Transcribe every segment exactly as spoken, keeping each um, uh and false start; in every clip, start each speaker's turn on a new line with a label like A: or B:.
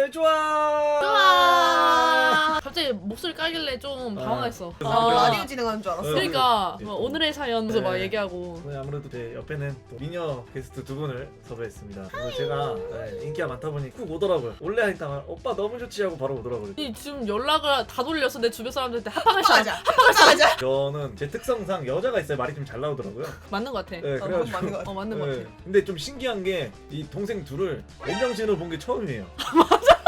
A: 다들 좋아.
B: 좋아. 갑자기 목소리 깔길래 좀 당황했어.
A: 아,
B: 아,
C: 라디오 진행하는 줄 알았어.
B: 그러니까
A: 네.
B: 뭐 오늘의 사연에서
A: 네.
B: 막 얘기하고.
A: 오늘 아무래도 제 옆에는 또 미녀 게스트 두 분을 섭외했습니다. 오늘 제가 네, 인기가 많다 보니 꾹 오더라고요. 원래 하니까 오빠 너무 좋지 하고 바로 오더라고요.
B: 이 지금 연락을 다 돌려서 내 주변 사람들한테 합방을 시
C: 합방하자. 합방하자.
A: 저는 제 특성상 여자가 있어야 말이 좀 잘 나오더라고요.
B: 맞는 것 같아.
A: 네,
C: 어,
A: 그래가지고
C: 맞는 것 같아.
B: 어 맞는 것
A: 네.
B: 같아.
A: 근데 좀 신기한 게 이 동생 둘을 맨정신으로 본 게 처음이에요. 맞아.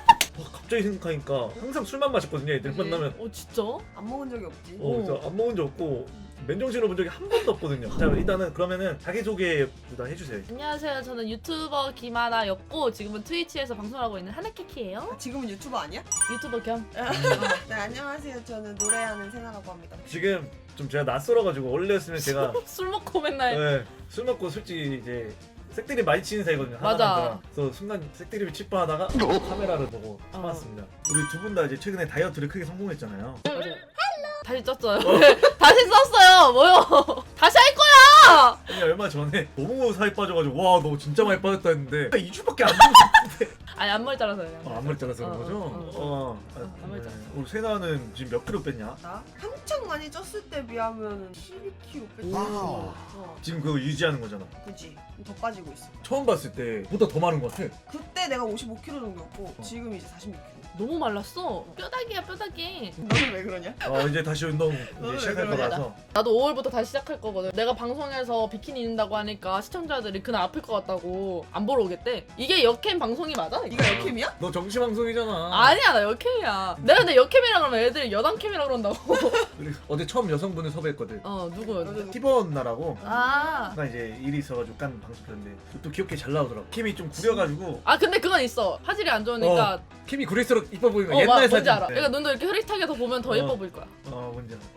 A: 갑자기 생각하니까 항상 술만 마셨거든요. 애들
C: 그치.
A: 만나면.
B: 어 진짜?
C: 안 먹은 적이 없지.
A: 어, 그래서 안 먹은 적 없고 맨정신으로 본 적이 한 번도 없거든요. 자, 일단은 그러면은 자기소개부터 해주세요.
B: 안녕하세요. 저는 유튜버 김하나였고 지금은 트위치에서 방송하고 있는 하나키키예요.
C: 아, 지금은 유튜버 아니야?
B: 유튜버 겸.
C: 네, 안녕하세요. 저는 노래하는 세나라고 합니다.
A: 지금 좀 제가 낯설어가지고 원래였으면 제가
B: 술 먹고 맨날.
A: 네, 술 먹고 솔직히 이제 색드립 많이 치는 사이거든요.
B: 맞아.
A: 하나랑 그래서 순간 색드립을 치파하다가 카메라를 보고 참았습니다. 우리 두 분 다 이제 최근에 다이어트를 크게 성공했잖아요.
B: 맞아요. 다시 쪘어요. 다시 썼어요. 뭐요? 다시 할 거야.
A: 아니 얼마 전에 너무 살이 빠져가지고 와 너 진짜 많이 빠졌다 했는데 이 주밖에 안 먹었는데
B: 아니 앞머리 잘라서요.
A: 어, 앞머리 잘라서 그런
B: 어,
A: 거죠?
B: 어, 어,
A: 어, 아,
B: 어, 앞머리
A: 네.
B: 잘랐어.
A: 우리 세나는 지금 몇 킬로 뺐냐?
C: 나 한창 많이 쪘을 때 비하면 십이 킬로그램 뺐지.
A: 와우.
C: 어,
A: 지금 그거 유지하는 거잖아.
C: 그지. 더 빠지고 있어.
A: 처음 봤을 때보다 더 많은 것 같아.
C: 그때 내가 오십오 킬로그램 정도였고
A: 어.
C: 지금 이제 사십육 킬로그램.
B: 너무 말랐어. 뼈다귀야 뼈다귀.
C: 너는 왜 그러냐?
A: 어 이제 다시 운동 이제
C: 왜
A: 시작할
C: 그러냐?
A: 거라서.
B: 나도 오월부터 다시 시작할 거거든. 내가 방송에서 비키니 입는다고 하니까 시청자들이 그날 아플 것 같다고 안 보러 오겠대. 이게 역캠 방송이 맞아? 이거?
C: 이거 역캠이야?
A: 너 정시방송이잖아.
B: 아니야 나 역캠이야. 내가 근데 역캠이라 그러면 애들이 여담캠이라 그런다고.
A: 우리 어제 처음 여성분을 섭외했거든.
B: 어 누구였는데?
A: 티번 나라고.
B: 아.
A: 아까 이제 일이 있어가지고 깐 방송 켰는데 또 귀엽게 잘 나오더라고. 캠이 좀 구려가지고.
B: 아 근데 그건 있어. 화질이 안 좋으니까.
A: 어, 캠이 구릴수록 이뻐 보이는
B: 어,
A: 거.
B: 마,
A: 옛날
B: 뭔지
A: 사진.
B: 알아. 그러니까 눈도 이렇게 흐릿하게 더 보면 더
A: 어.
B: 예뻐 보일 거야.
A: 어 뭔지 알아.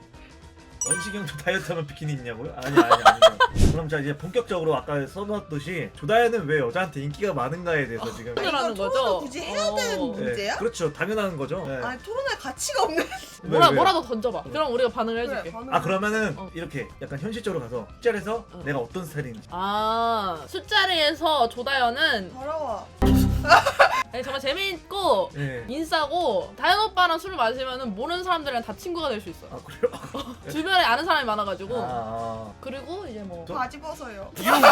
A: 원식형도 다이어트하면 비키니 입냐고요? 아니 아니 아니. 그럼 자 이제 본격적으로 아까 써놨듯이 조다현은 왜 여자한테 인기가 많은가에 대해서 지금.
B: 아, 라는
C: 이거
B: 거죠?
C: 토론을 굳이 해야 되는
B: 어.
C: 문제야?
A: 그렇죠. 당연한 거죠. 네.
C: 아니 토론할 가치가 없네.
B: 뭐라
A: 왜, 왜?
B: 뭐라도 던져봐. 그럼 우리가 반응을
C: 그래,
B: 해줄게.
C: 반응.
A: 아 그러면은
B: 어.
A: 이렇게 약간 현실적으로 가서 술자리에서
B: 어.
A: 내가 어떤 스타일인지.
B: 아 술자리에서 조다현은
C: 더러워.
B: 네, 정말 재미있고
A: 예.
B: 인싸고 다현 오빠랑 술을 마시면은 모르는 사람들이랑 다 친구가 될 수 있어.
A: 아 그래요?
B: 주변에 아는 사람이 많아가지고.
A: 아, 아.
B: 그리고 이제 뭐.
A: 저-
C: 바지 벗어요.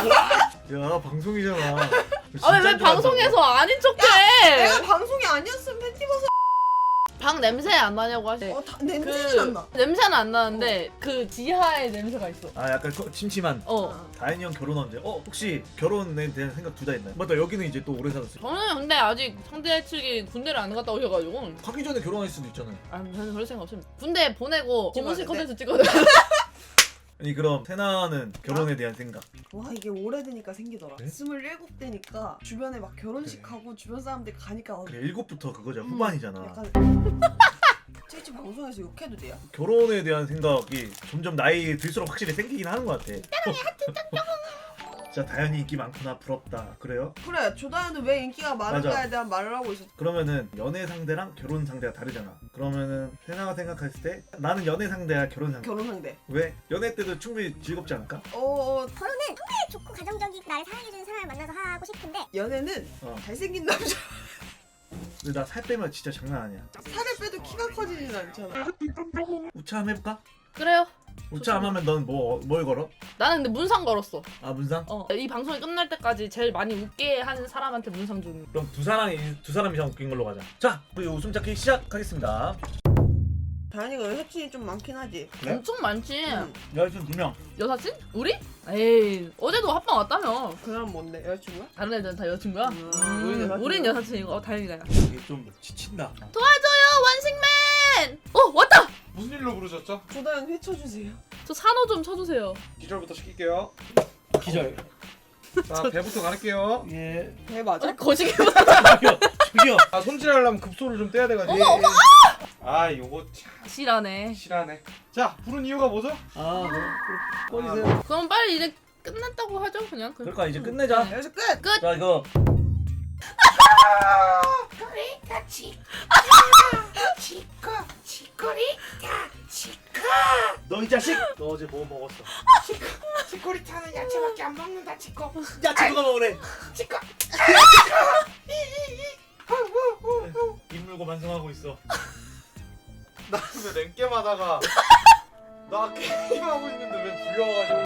A: 야 방송이잖아.
B: 아 왜
A: 진짜
B: 왜
A: 좋아한다고.
B: 방송에서 아닌 척해?
C: 내가 방송이 아니었으면 팬티 벗어.
B: 방 냄새 안 나냐고 하시.
C: 어, 다, 냄새는
B: 그
C: 안 나.
B: 냄새는 안 나는데 그 지하에 냄새가 있어.
A: 아 약간 거- 침침한.
B: 어.
A: 다현이 형 결혼 언제? 어 혹시 결혼에 대한 생각 둘 다 있나요? 맞다 여기는 이제 또 오래 살았어요.
B: 저는 근데 아직 상대 측이 군대를 안 갔다 오셔가지고
A: 가기 전에 결혼할 수도 있잖아요.
B: 아 저는 그럴 생각 없습니다. 군대 보내고 고무신
C: 찍어야
B: 컨텐츠 찍거든.
A: 아니 그럼 세나는 결혼에 대한 생각.
C: 와 이게 오래되니까 생기더라.
A: 네?
C: 스물일곱 대니까 주변에 막 결혼식하고 주변 사람들 가니까 어,
A: 그래 일곱부터 그거죠.
C: 음,
A: 후반이잖아.
C: 약간 트위치 방송에서 욕해도 돼요?
A: 결혼에 대한 생각이 점점 나이 들수록 확실히 생기긴 하는 것 같아. 진짜 다현이 인기 많구나 부럽다. 그래요?
C: 그래 조다현은 왜 인기가 많은가에
A: 맞아.
C: 대한 말을 하고 있었어.
A: 그러면은 연애 상대랑 결혼 상대가 다르잖아. 그러면은 세나가 생각했을 때 나는 연애 상대야 결혼 상대.
C: 결혼 상대.
A: 왜? 연애 때도 충분히 즐겁지 않을까?
C: 어, 어
D: 결혼은 정말 좋고 가정적이고 나를 사랑해주는 사람을 만나서 하고 싶은데
C: 연애는
A: 어.
C: 잘생긴 남자
A: 근데 나 살 빼면 진짜 장난 아니야.
C: 살을 빼도 키가 커지진 않잖아.
A: 우차함 해볼까?
B: 그래요.
A: 우차함 하면 넌 뭐 뭘 걸어?
B: 나는 근데 문상 걸었어.
A: 아 문상?
B: 어. 이 방송이 끝날 때까지 제일 많이 웃게 하는 사람한테 문상 주는.
A: 그럼 두 사람이 두 사람 이상 웃긴 걸로 가자. 자 우리 웃음 찾기 시작하겠습니다.
C: 다현이가 여사친이 좀 많긴 하지.
A: 네?
B: 엄청 많지.
C: 응.
A: 여자친 두 명.
B: 여사친? 우리? 에이 어제도 합방 왔다며.
C: 그 사람 뭔데? 여자친구야?
B: 다른 애들은 다 여자친구야?
C: 음,
B: 음,
C: 우린 여사친이야.
B: 우린 여사친이고 어, 다행이다. 야.
A: 이게 좀 지친다.
B: 도와줘요 원식맨! 어 왔다!
E: 무슨 일로 부르셨죠?
C: 조다현 회쳐주세요.
B: 저 산호 좀 쳐주세요.
E: 기절부터 시킬게요.
A: 기절.
E: 자, 배부터 가릴게요.
A: 예.
C: 배 맞아?
B: 어, 거시기
A: 저기요. 저기요.
E: 아, 손질하려면 급소를 좀 떼야 돼가지고.
B: 어머, 어머,
E: 아, 요거 참
B: 실하네.
E: 실하네. 자, 부른 이유가 뭐죠?
A: 아 뭐. 꺼지세요.
B: 그럼 빨리 이제 끝났다고 하죠 그냥. 그-
A: 그러니까 이제 끝내자.
C: 여기서 끝!
A: 자 이거. 너 이 자식! 너 어제 뭐 먹었어?
F: 치코리타는 야채밖에 안 먹는다 치코.
A: 야채 누가 먹으래?
F: 치코.
A: 완성하고 있어.
E: 나 왜 랭겜 하다가 나 게임하고 있는데 왜 불려와가지고